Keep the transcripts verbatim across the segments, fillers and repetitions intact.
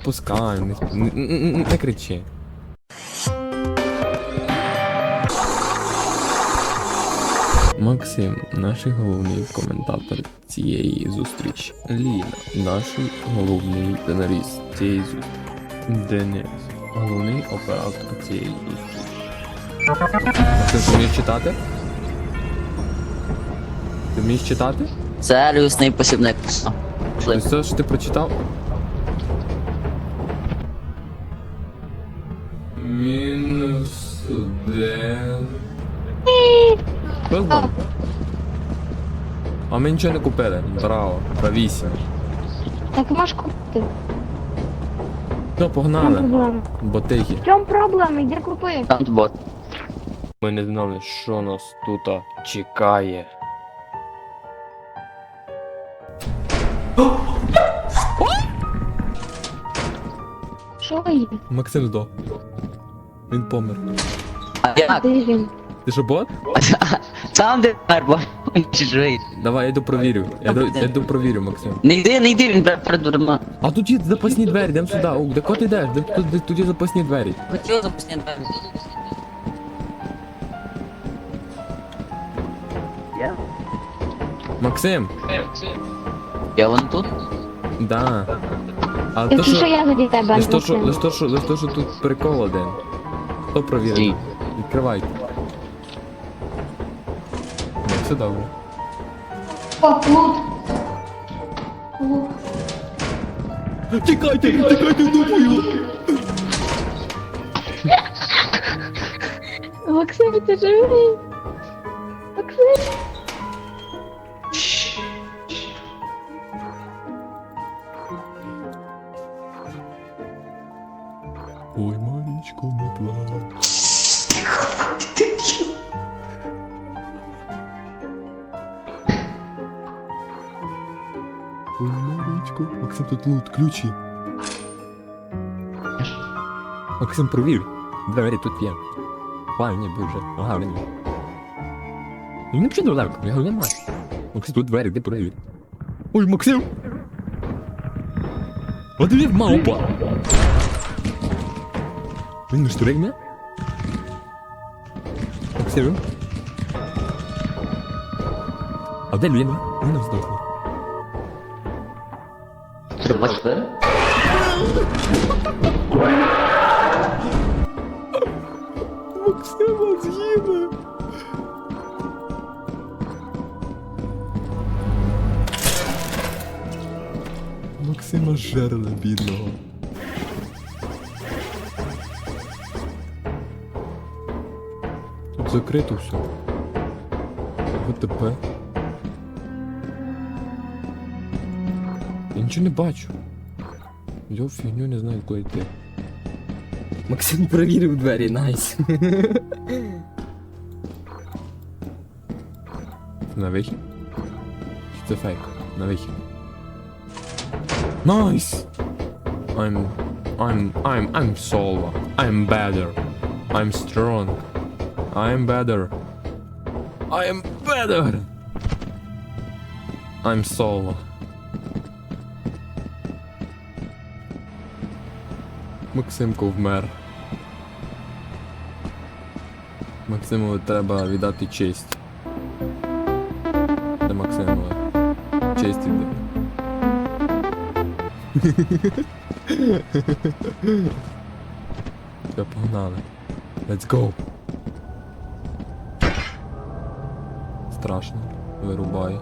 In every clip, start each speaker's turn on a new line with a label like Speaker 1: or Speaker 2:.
Speaker 1: запускай, не, не, не, не кричи. Максим, наш головний коментатор цієї зустрічі. Ліна, наш головний сценарист цієї зустрічі. Денис, головний оператор цієї зустрічі. Ти вмієш читати? Ти вмієш читати?
Speaker 2: Це люсний посібник.
Speaker 1: Ось все, що ти прочитав? Мінус один. Що? А ми нічого не купили. Браво, правісім.
Speaker 3: Так можеш купити.
Speaker 1: Ну, погнали.
Speaker 3: Проблема.
Speaker 1: Ботиги.
Speaker 3: В чому проблема? Йди купи.
Speaker 2: Там бот.
Speaker 1: Ми не знали, що нас тут чекає.
Speaker 3: Що є?
Speaker 1: Максим здох. Він помер.
Speaker 2: А як?
Speaker 3: Де він?
Speaker 1: Ти що, бот?
Speaker 2: Сам де мер, бо він ще живий.
Speaker 1: Давай, я йду провірю. Я йду, я йду провірю, Максим.
Speaker 2: Не йди, не йди, він перед дверима.
Speaker 1: А тут є запасні двері, йдемо сюди. О, де кот йдеш? Де тут, де, тут є запасні двері?
Speaker 2: Хотів запустити двері. Я?
Speaker 1: Максим!
Speaker 2: Я вон тут?
Speaker 1: Да. А то
Speaker 3: Якщо що
Speaker 1: що...
Speaker 3: я заді тебе,
Speaker 1: Лиш то, що,
Speaker 3: Максим.
Speaker 1: лиш то, що, лиш то, що тут прикол один. Хто провірить?
Speaker 2: Стій.
Speaker 1: Відкривайте. Ну, все добре.
Speaker 3: О, лут. Лут.
Speaker 1: Тікайте, тікайте, думаю!
Speaker 3: Максим, ти живий? Максим.
Speaker 1: Ой, Марічко, не плач. Ой, Марічко. Максим, тут лут, ключі. Максим, провір. Двері тут є. Ладно, ні, був вже. Ага, вже ні. Ну не пішли далеко, я його немає. Максим, тут двері, де провір. Ой, Максим! А де він мавпа? Він не штурить мене? Максим? А де Ліна? Ліна здохла.
Speaker 2: Треба двері?
Speaker 1: Максима з'їли! Максима жерли, бідного. Тут закрито все. ВТП. Я нічого не бачу. Я фігню не знаю, куди йти.
Speaker 4: Максим перевірив двері, найс.
Speaker 1: На вихід? Чи це фейк? На вихід. Найс! I'm... I'm... I'm... I'm Solva. I'm better. I'm strong. I'm better. I am better! I'm Solva. Максимко вмер. Максимові треба віддати честь. Де Максимове? Честь іде. Все, погнали. Let's go. Страшно. Вирубає.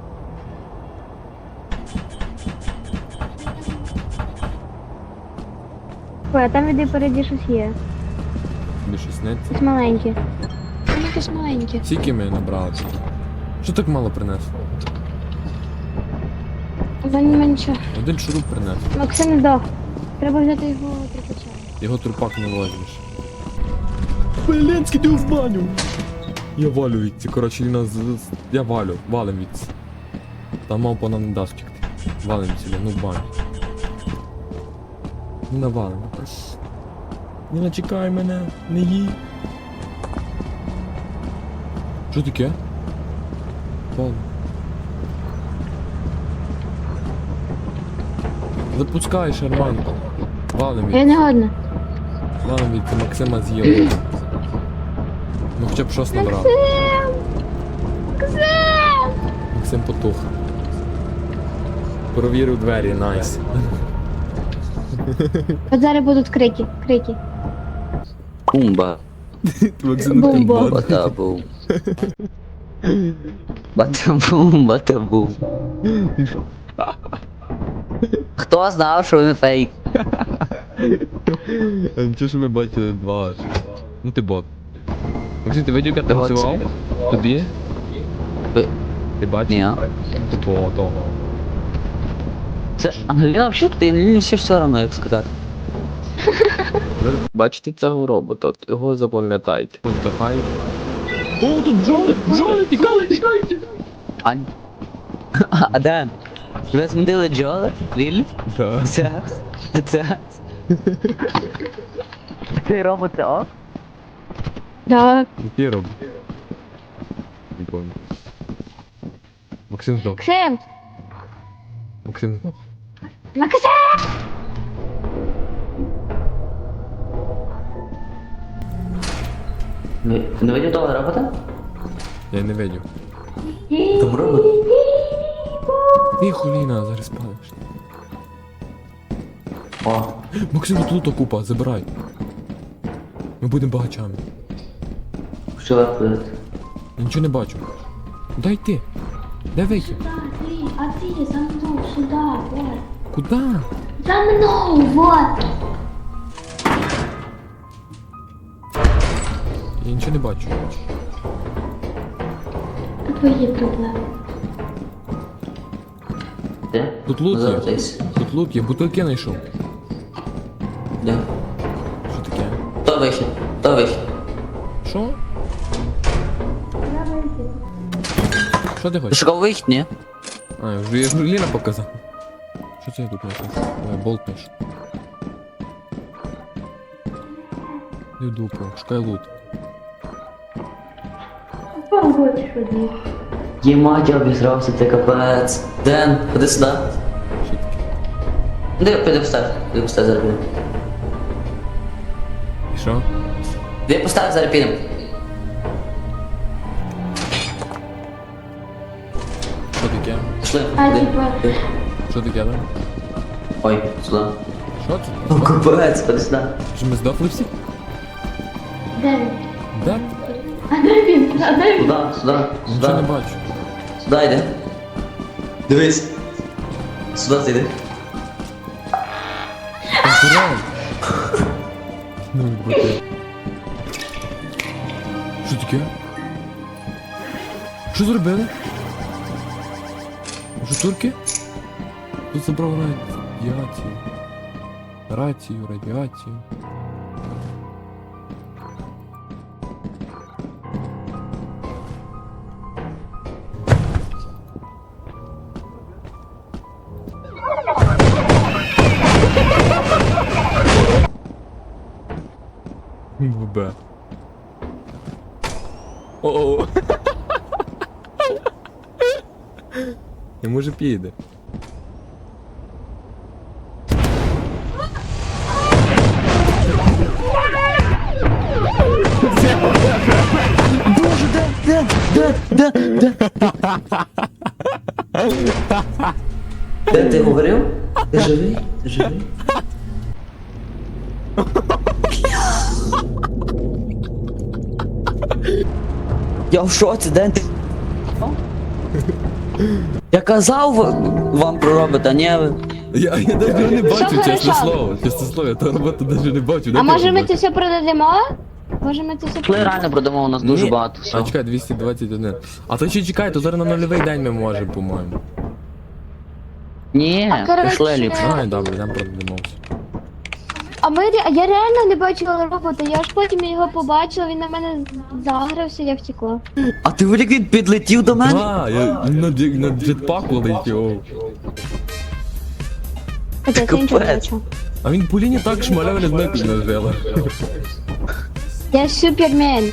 Speaker 3: Ой, а там іди переді щось є.
Speaker 1: Тобі щось сниться?
Speaker 3: Щось маленьке. Там якесь маленьке.
Speaker 1: Скільки ми набрали? Що так мало принесло?
Speaker 3: Та ні, менше.
Speaker 1: Один шуруп принес.
Speaker 3: Максим здох. Треба взяти його трикача.
Speaker 1: Його трупак не возьмеш. Беленський, ти в баню! Я валю відці, коротше, Ліна з... з- Я валю, валим відці. Та мавпа нам не дасть втекти. Валим сюди, ну в баню. Ну навалим. Не чекай мене, не їй. Що таке? Валим. Запускай, шарманку. Валим
Speaker 3: Я
Speaker 1: від,
Speaker 3: не годна.
Speaker 1: валим від, це Максима з'їли. Ну хоча б щось набрав. Максим потух. Провірив двері, найс.
Speaker 3: От зараз будуть крики, крики.
Speaker 2: Бумба.
Speaker 1: Максим
Speaker 3: Бомба.
Speaker 2: Батабум. Батабум, батабум. Хто знав, що він фейк?
Speaker 1: Нічого, що ми бачили два. Ну ти бот. Максим, ти видів, як ти
Speaker 2: Бот.
Speaker 1: голосував? Тобі?
Speaker 2: Ви-
Speaker 1: Ти бачив?
Speaker 2: Ні.
Speaker 1: Того, того.
Speaker 2: Це Ангеліна взагалі, ти мені все все одно, як сказати.
Speaker 1: Бачите цього робота, от його запам'ятайте. Вдихай. О, тут бджоли, бджоли, тікали, тікали, тікали.
Speaker 2: Ань. А де? Ви змінили Джоли? Лілі?
Speaker 1: Так.
Speaker 2: Це? Це? Ти робот це ок?
Speaker 3: Так.
Speaker 1: Який робот? Не помню. Максим здох.
Speaker 3: Максим!
Speaker 1: Максим здох.
Speaker 3: Максим!
Speaker 2: Ви ти не видів того робота?
Speaker 1: Я не видів.
Speaker 2: Там робот.
Speaker 1: Тихо, Ліна, зараз спалиш.
Speaker 2: О,
Speaker 1: Максим, тут лута купа, забирай. Ми будемо багачами.
Speaker 2: що ви робите?
Speaker 1: Я нічого не бачу. Дай ти. Де вихід?
Speaker 3: А ти за мною сюди, вот.
Speaker 1: Куда?
Speaker 3: За мною, вот.
Speaker 1: Я нічого не бачу.
Speaker 3: Твої проблеми.
Speaker 2: Де?
Speaker 1: Тут лут є.
Speaker 2: Завтись.
Speaker 1: Тут лут є, бутилки знайшов.
Speaker 2: Де?
Speaker 1: Що таке?
Speaker 2: То вихід, то вихід.
Speaker 1: Що? Що ти
Speaker 2: Ти
Speaker 1: хочеш?
Speaker 2: шукав вихід, ні?
Speaker 1: А, я вже, я вже Ліна показав. Що це я тут знайшов? Ой, болт теж. Не в дупу, шукай лут.
Speaker 3: Погодь, що ні.
Speaker 2: Ємать, я обізрався, це капець. Ден, ходи сюди.
Speaker 1: Що таке?
Speaker 2: Де, піди постав, піди постав, зараз підемо.
Speaker 1: І що?
Speaker 2: Де постав, зараз підемо.
Speaker 1: Що таке?
Speaker 2: Пішли,
Speaker 3: А,
Speaker 2: ходи.
Speaker 3: типа.
Speaker 1: Що таке, да?
Speaker 2: Ой, сюди.
Speaker 1: Що це?
Speaker 2: О, капець, ходи сюди.
Speaker 1: Що ми здохли всі?
Speaker 3: Де він?
Speaker 1: Да?
Speaker 3: А де він? А де він?
Speaker 2: Сюди, сюди,
Speaker 1: Нічого не
Speaker 2: сюди.
Speaker 1: бачу.
Speaker 2: Сюди йди. Дивись. Сюди ти йди.
Speaker 1: Конкурент. Ну, бути. Що таке? Що зробили? Що турки? Тут забрав радіацію. Рацію, радіацію. Б. О-о. Я може піде.
Speaker 2: Де ти говорив? Ти живий? Ти живий? Я в шоці, Ден, ти... Я казав вам про робота, ні ви.
Speaker 1: Я, я навіть його не бачу,
Speaker 3: Що
Speaker 1: чесне
Speaker 3: хорошо?
Speaker 1: слово. Чесне слово, я того роботу навіть не бачу. Де
Speaker 3: А
Speaker 1: ти
Speaker 3: може ми
Speaker 1: робиш?
Speaker 3: це все продамо? Може ми це все
Speaker 2: Пішли реально продамо, у нас дуже
Speaker 1: Ні.
Speaker 2: багато
Speaker 1: А
Speaker 2: всього.
Speaker 1: чекай, двісті двадцять один. А то ще чекай, то зараз на нульовий день ми можемо, по-моєму.
Speaker 2: Ні,
Speaker 3: А, коротше,
Speaker 2: пішли ліпше.
Speaker 1: Ай, добре, там продамо все.
Speaker 3: А ми ре- я реально не бачила робота, я ж потім його побачила, він на мене загрався, я втекла.
Speaker 2: А ти вилік він підлетів до мене?
Speaker 1: А, я на, джет- на джетпаку летів.
Speaker 3: Це я нічого не
Speaker 2: Капець.
Speaker 3: бачу.
Speaker 1: А він по лінії так шмаляв, не знаю, як нажила.
Speaker 3: Я супермен.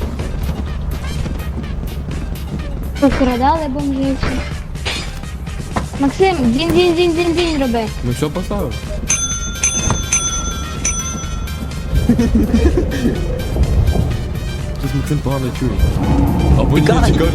Speaker 3: Покрадали бомжів. Максим, дзінь дзінь дзінь дзінь дзінь роби.
Speaker 1: Ну все поставив. Щось Максим погано чує. Або ні,
Speaker 2: Тікай.
Speaker 1: тікай.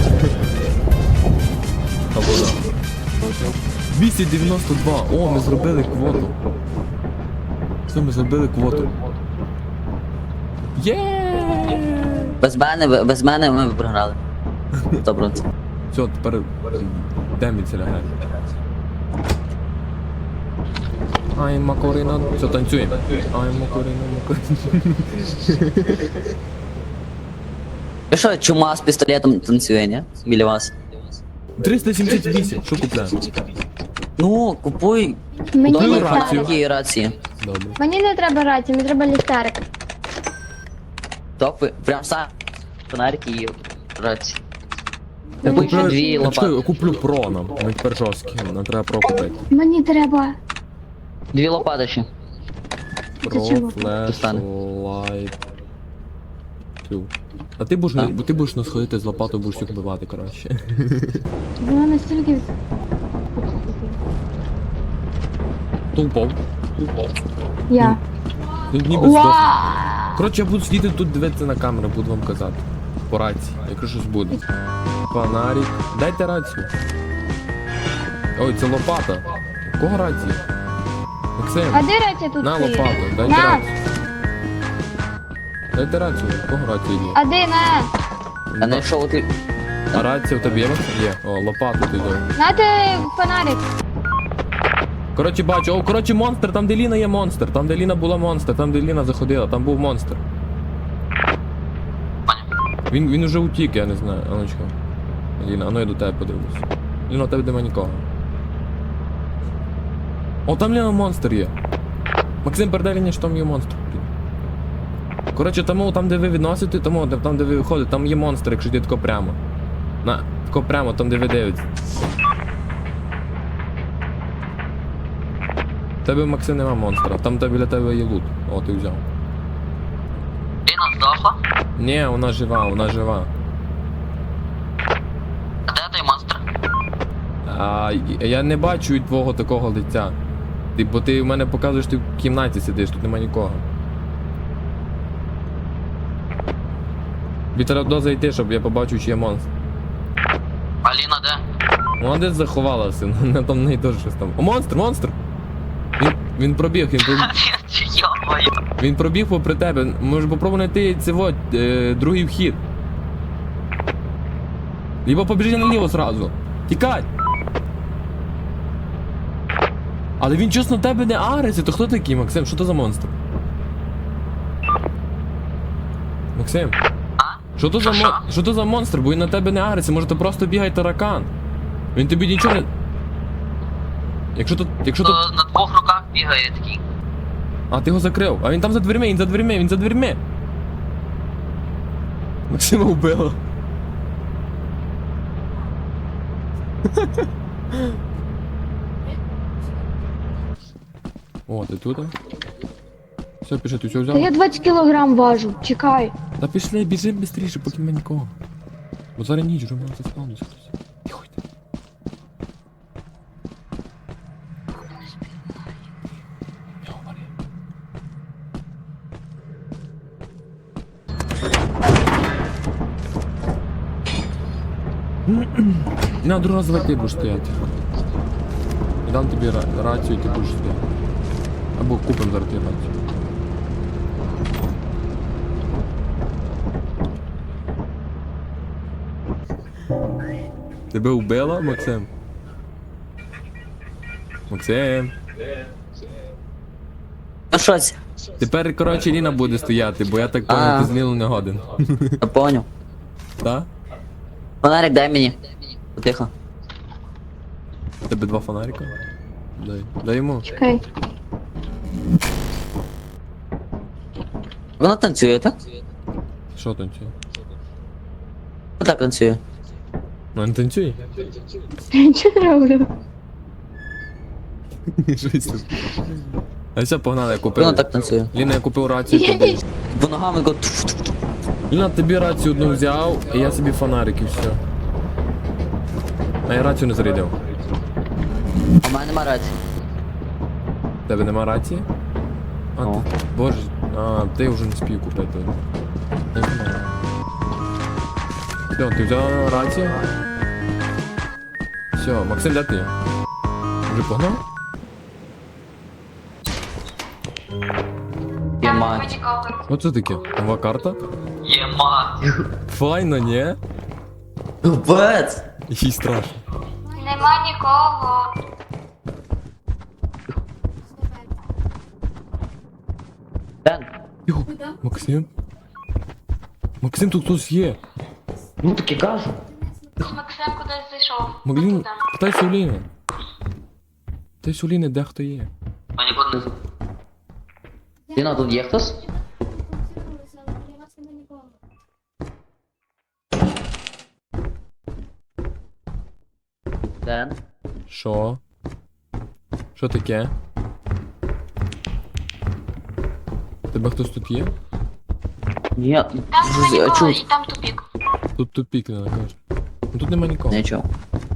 Speaker 1: Або да. двісті дев'яносто два. О, ми зробили квоту. Все, ми зробили квоту. Є!
Speaker 2: Без мене, без мене ми б програли. Добре.
Speaker 1: Все, тепер де мій ціля грає? Ай, Макорина. Все, танцюємо. Ай, Макорина, Макорина.
Speaker 2: Ви що, чума з пістолетом танцює, ні? Біля вас.
Speaker 1: триста сімдесят вісім. Що купляємо?
Speaker 2: Ну, купуй
Speaker 3: Мені
Speaker 1: Дай
Speaker 3: ліхтарик.
Speaker 1: рацію.
Speaker 2: такі рації.
Speaker 1: Добре.
Speaker 3: Мені не треба рації, мені треба ліхтарик.
Speaker 2: Топи, прям сам фонарики і рації.
Speaker 1: Я
Speaker 2: Купуй ще
Speaker 1: куплю,
Speaker 2: дві
Speaker 1: я чекаю, я
Speaker 2: лопати.
Speaker 1: куплю про нам. Ми тепер жорсткі, нам треба про купити.
Speaker 3: Мені треба.
Speaker 2: Дві лопати ще.
Speaker 1: Про,
Speaker 3: чого?
Speaker 1: флеш, лайт. Тю. А ти будеш,
Speaker 2: А?
Speaker 1: бо ти будеш нас ходити з лопатою, будеш їх вбивати, коротше.
Speaker 3: Вона настільки.
Speaker 1: Хто упав?
Speaker 3: Я.
Speaker 1: Він ніби здох.
Speaker 3: Уа!
Speaker 1: Коротше, я буду сидіти тут дивитися на камеру, буду вам казати. По рації, якщо щось буде. Фонарик. Дайте рацію. Ой, це лопата. У кого рація? Максим,
Speaker 3: А де рація тут
Speaker 1: на
Speaker 3: стоїть?
Speaker 1: лопату, дайте
Speaker 3: На.
Speaker 1: рацію. Дайте рацію, у кого рація є?
Speaker 3: А де на?
Speaker 2: А не що ти.
Speaker 1: А рація у тебе є, Максим? Є. О, лопату ти дай.
Speaker 3: Нате фонарик.
Speaker 1: Коротше, бачу, о, коротше, монстр, там де Ліна є монстр, там де Ліна була монстр, там де Ліна заходила, там був монстр. Він, він уже утік, я не знаю, Аночка. Ліна, а ну я до тебе подивлюсь. Ліна, у тебе нема нікого. О, там Ліна монстр є. Максим, передай Ліні, що там є монстр. Коротше, тому там, де ви відносите, тому там, де ви виходите, там є монстр, якщо йти тако прямо. На, тако прямо, там, де ви дивитесь. В тебе, Максим, нема монстра, там де біля тебе є лут. О, ти взяв.
Speaker 2: Ліна здохла?
Speaker 1: Ні, вона жива, вона жива.
Speaker 2: А де той монстр?
Speaker 1: А я не бачу від твого такого лиця. Ти, бо ти в мене показуєш, ти в кімнаті сидиш, тут нема нікого. Тобі треба зайти, щоб я побачив, чи є монстр.
Speaker 2: А Ліна де?
Speaker 1: Вона десь заховалася, вона там в неї теж щось там. О, монстр, монстр! Він, він пробіг, він пробіг. Він пробіг попри тебе. Може попробуй знайти цього, е, другий вхід. Либо побіжи наліво зразу. Тікай! Але він чесно на тебе не агриться, то хто такий, Максим? Що то за монстр? Максим? Що то за мон... Що то за монстр? Бо він на тебе не агриться, може то просто бігає таракан. Він тобі нічого не. Якщо тут. Якщо тут.
Speaker 2: На двох руках бігає такий.
Speaker 1: А, ти його закрив. А він там за дверми, він за дверми, він за дверми. Максима вбило. О, ти тут? Все, пішли, ти все
Speaker 3: Та я
Speaker 1: взяв?
Speaker 3: двадцять кілограм важу. Чекай.
Speaker 1: Та пішли, біжи швидше, поки нема нікого. Бо зараз ніч, вже мене заспавнився хтось. Тихо йди. Не говори. На, другий раз давай ти будеш стояти. І дам тобі ра- рацію, і ти будеш стояти. Або купимо зараз тобі рацію. Тебе вбило, Максим? Максим.
Speaker 2: Ну що це?
Speaker 1: Тепер, коротше, Ліна буде стояти, бо я так
Speaker 2: А.
Speaker 1: понял, ти з Ліною не годен.
Speaker 2: Я поняв.
Speaker 1: Так?
Speaker 2: Фонарик дай мені. Потихо.
Speaker 1: Тебе два фонарика? Дай. Дай йому.
Speaker 3: Чекай.
Speaker 2: Вона танцює, так?
Speaker 1: Що танцює?
Speaker 2: Так танцює.
Speaker 1: Ну, не танцюй.
Speaker 3: Що я роблю?
Speaker 1: Щось тут. А все, погнали, я купив.
Speaker 2: Вона так танцює.
Speaker 1: Ліна, я купив рацію
Speaker 3: Я
Speaker 1: тобі.
Speaker 3: ні-
Speaker 2: Бо ногами го.
Speaker 1: Ліна, тобі рацію одну взяв, і я собі фонарик і все. А я рацію не зарядив.
Speaker 2: А в мене нема рації.
Speaker 1: Тебе нема рації? А,
Speaker 2: О.
Speaker 1: ти, боже, А, ти вже не спів купити. Не знаю. Все, ти взяв рацію? Все, Максим, де ти? Вже погнав?
Speaker 2: Є мать.
Speaker 1: Оце таке? Нова карта?
Speaker 2: Є мать.
Speaker 1: Файно, ні?
Speaker 2: Капець.
Speaker 1: Їй страшно.
Speaker 3: Нема нікого.
Speaker 2: Ден,
Speaker 1: Йо, Максим? Максим, тут хтось є.
Speaker 2: ну таки кажу.
Speaker 3: Максим кудись зайшов.
Speaker 1: Маглін, питайся у Ліни. Питайся у Ліни, де хто є.
Speaker 2: А нікого не... Діна, тут є хтось? Ден?
Speaker 1: Що? Що таке? Тебе хтось тут є?
Speaker 2: Ні,
Speaker 3: Там нема
Speaker 2: з-
Speaker 3: нікого,
Speaker 2: чув.
Speaker 3: і там тупік.
Speaker 1: Тут тупік, не каже. Ну тут нема нікого.
Speaker 2: Не чув.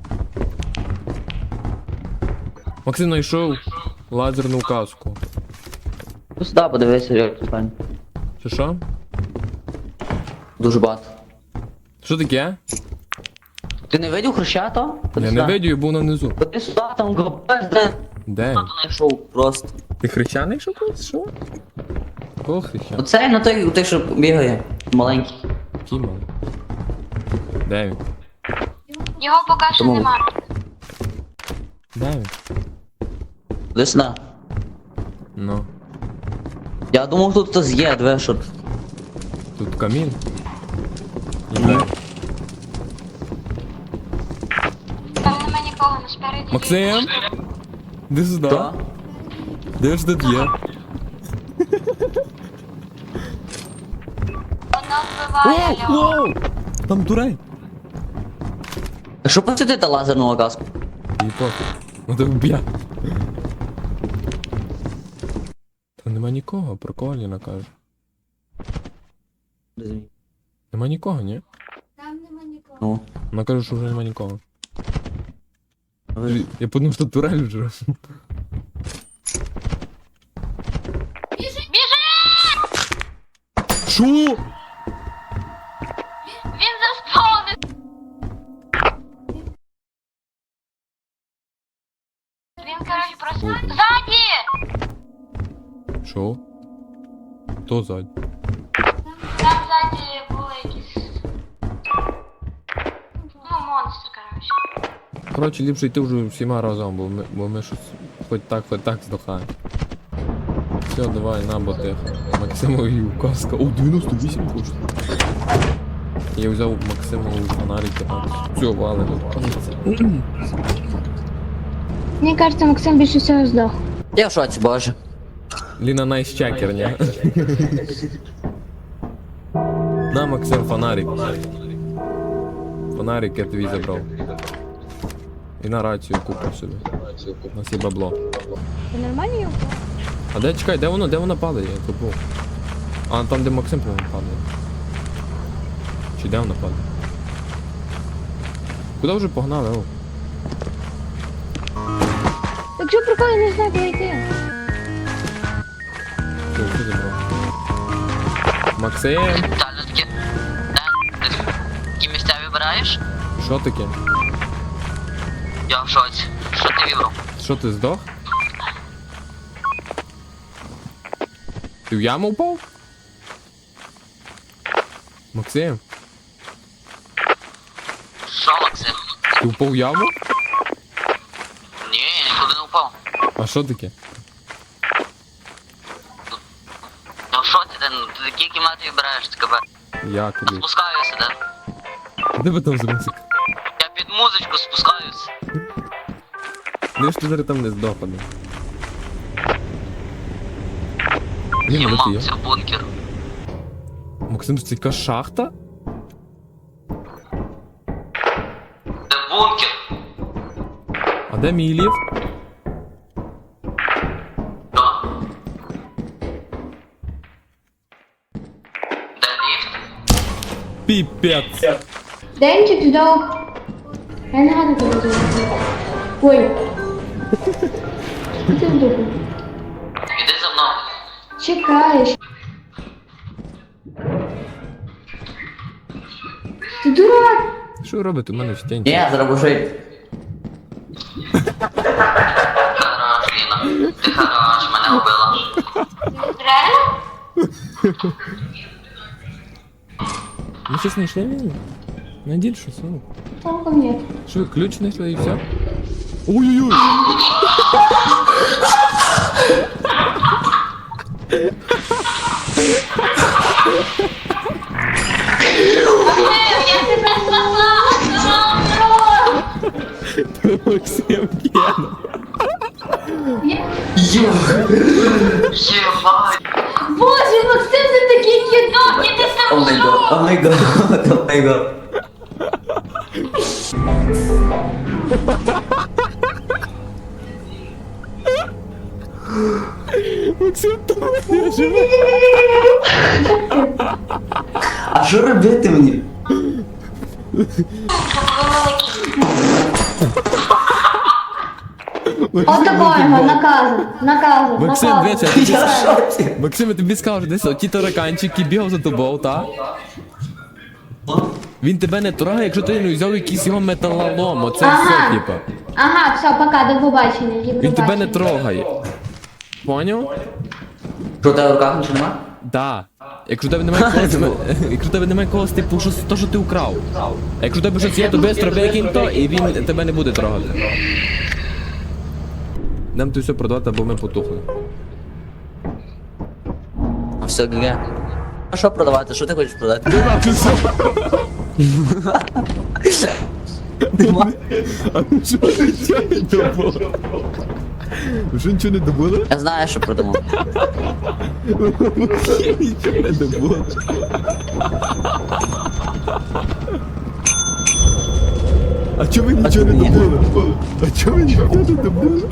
Speaker 1: Максим знайшов лазерну каску.
Speaker 2: Ну сюди подивися, як тут файн.
Speaker 1: Що що?
Speaker 2: Дуже багато.
Speaker 1: Що таке?
Speaker 2: Ти не видів хрещата?
Speaker 1: Я не видію, я був внизу.
Speaker 2: Ходи сюди, там капець, Ден.
Speaker 1: Де?
Speaker 2: Хто знайшов просто.
Speaker 1: Ти хрещаний що колись? Що? Кого хрещаний?
Speaker 2: Оцей, на той, той, що бігає. Маленький.
Speaker 1: Кіма. Де він?
Speaker 3: Його поки що
Speaker 2: Тому-
Speaker 3: нема.
Speaker 1: Де він?
Speaker 2: Ходи сюди.
Speaker 1: Ну.
Speaker 2: Я думав, тут хтось є, диви, що.
Speaker 1: Тут камін. І де?
Speaker 3: Там нема нікого, не спереді.
Speaker 1: Максим? Де сюди?
Speaker 2: Хто?
Speaker 1: Де ж тут є?
Speaker 3: Воно вбиває його.
Speaker 1: Воу! Там турель.
Speaker 2: А що посвятити лазерну каску?
Speaker 1: І пофіг. Ну ти вб'я. Там нема нікого, прикольно каже. Нема нікого, ні?
Speaker 2: Ну.
Speaker 1: Вона каже, що вже нема нікого.
Speaker 2: Ви-
Speaker 1: Я подумав, що турель вже.
Speaker 3: Біжи!
Speaker 1: Що?
Speaker 3: Він заспавнив! Він, коротше, просто...
Speaker 1: Добре.
Speaker 3: Ззаді!
Speaker 1: Що? Хто ззаді?
Speaker 3: Там ззаді були якісь... Ну, монстр, коротше.
Speaker 1: Коротше, ліпше йти вже всіма разом, бо ми, бо ми щось хоч так, хоч так здохаємо. Все, давай, на ботех. Максимові указка. О, дев'яносто вісім коштує. Я взяв Максимову фонарики. Все, валимо.
Speaker 3: Мені кажется, Максим більше всього здох.
Speaker 2: Я в шоці, боже.
Speaker 1: Ліна найщакер, ні? На, Максим, фонарик. Фонарик я тобі забрав. І на рацію купив собі. У нас є бабло.
Speaker 3: Це нормально його?
Speaker 1: А де, чекай, де воно, де воно падає? Я забув. А, там де Максим, по-моєму, падає. Чи де воно падає? Куди вже погнали, о?
Speaker 3: Так що прикол, я не знаю, куди йти.
Speaker 1: Що, що забрав? Максим!
Speaker 2: Детально таке. Ден, ти такі місця вибираєш?
Speaker 1: Що таке?
Speaker 2: Я в шоці. Що ти вибрав?
Speaker 1: Що ти здох? Ти в яму впав? Максим,
Speaker 2: Що, Максим?
Speaker 1: ти впав в яму?
Speaker 2: Ні, я нікуди не впав.
Speaker 1: А що таке?
Speaker 2: Я в шоці, Ден, ти такі кімнати вибираєш, ти кабе.
Speaker 1: Я куди?
Speaker 2: Спускаюся, Ден.
Speaker 1: Де ви там за музик?
Speaker 2: Я під музичку спускаюся.
Speaker 1: Де ж ти зараз там не здох, один? Ні, ну ти є.
Speaker 2: Це бункер.
Speaker 1: Максим, це яка шахта?
Speaker 2: Це бункер.
Speaker 1: А де мій ліфт?
Speaker 2: Що? Де ліфт?
Speaker 1: Піпець!
Speaker 3: Денчик здох. Я не гадаю, куди здох. Ой. Ти здох.
Speaker 2: Іди за мною.
Speaker 3: Чекаєш. дурак!
Speaker 1: Що ви робите? У мене в стінці.
Speaker 2: Ні, зробив жити.
Speaker 5: Хорош, Ліна. Ти хорош, мене вбила.
Speaker 3: Реально?
Speaker 1: Ви щось знайшли мені? Найдіть щось, ну.
Speaker 3: Толком нет.
Speaker 1: Що ви ключ знайшли і все? Ой-ой-ой!
Speaker 3: Я тебе спасла!
Speaker 1: Максим Кена.
Speaker 5: Єбать.
Speaker 3: Боже, Максим, ти такий кидок, я ти
Speaker 2: О май гад, о май гад, о май гад.
Speaker 1: Максим, там я живе.
Speaker 2: А що робити мені?
Speaker 3: От такого його, наказан, наказан,
Speaker 1: Максим,
Speaker 3: наказан.
Speaker 1: дивися, я тобі
Speaker 2: Я в шоці.
Speaker 1: Максим, я тобі скажу, десь ті тараканчики бігав за тобою, та? Він тебе не трогає, якщо ти не взяв якийсь його металолом, оце
Speaker 3: Ага.
Speaker 1: все, типа.
Speaker 3: Ага, все, пока, до побачення. До
Speaker 1: Він тебе не
Speaker 3: побачення.
Speaker 1: трогає. Поняв?
Speaker 2: Що у тебе в руках нічого нема?
Speaker 1: Да. Якщо в тебе немає когось, якщо в тебе немає когось, типу, що то, що ти украв. А якщо в тебе щось є, то бистро викинь то, і він тебе не буде трогати. Нам тут все продати, або ми потухли.
Speaker 2: А все, ГГ. А що продавати? Що ти хочеш продати? Нема.
Speaker 1: А ну що нічого не добуло? Вже нічого не добуло?
Speaker 2: Я знаю, що продаму.
Speaker 1: Нічого не добуло. А чого ви нічого не
Speaker 2: ні.
Speaker 1: добули? А чого ви нічого не добули?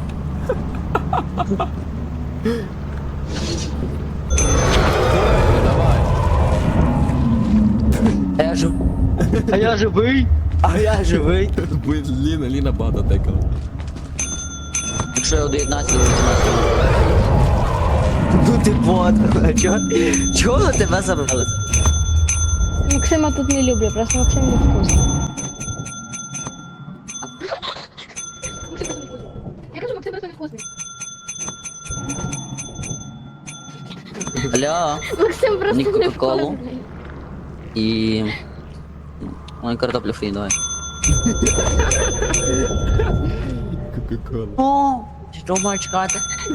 Speaker 2: А я жив. А я живий. А я живий.
Speaker 1: Блін, Ліна, Ліна багато текала.
Speaker 2: Якщо я доєднаюся до вісімнадцятого. Ну ти бот. А чого? Чого на тебе забрали?
Speaker 3: Максима тут не люблю, просто Максим не вкусний. Я кажу, Максим просто не вкусний.
Speaker 2: Алло.
Speaker 3: Максим просто
Speaker 2: Мені
Speaker 3: не
Speaker 2: Кока-Колу.
Speaker 3: вкусний.
Speaker 2: І... Ой, картоплю фрі, давай.
Speaker 1: Кока-кола.
Speaker 2: О, що маю чекати?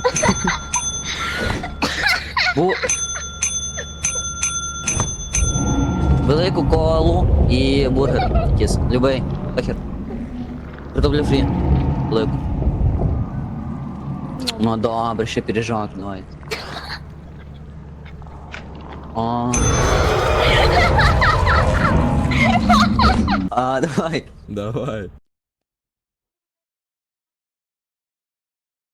Speaker 2: Бу... Велику колу і бургер. Якийсь. Любий. Похер. Картоплю фрі. Велику. Ну добре, ще пиріжок, давай. О. А, давай.
Speaker 1: Давай.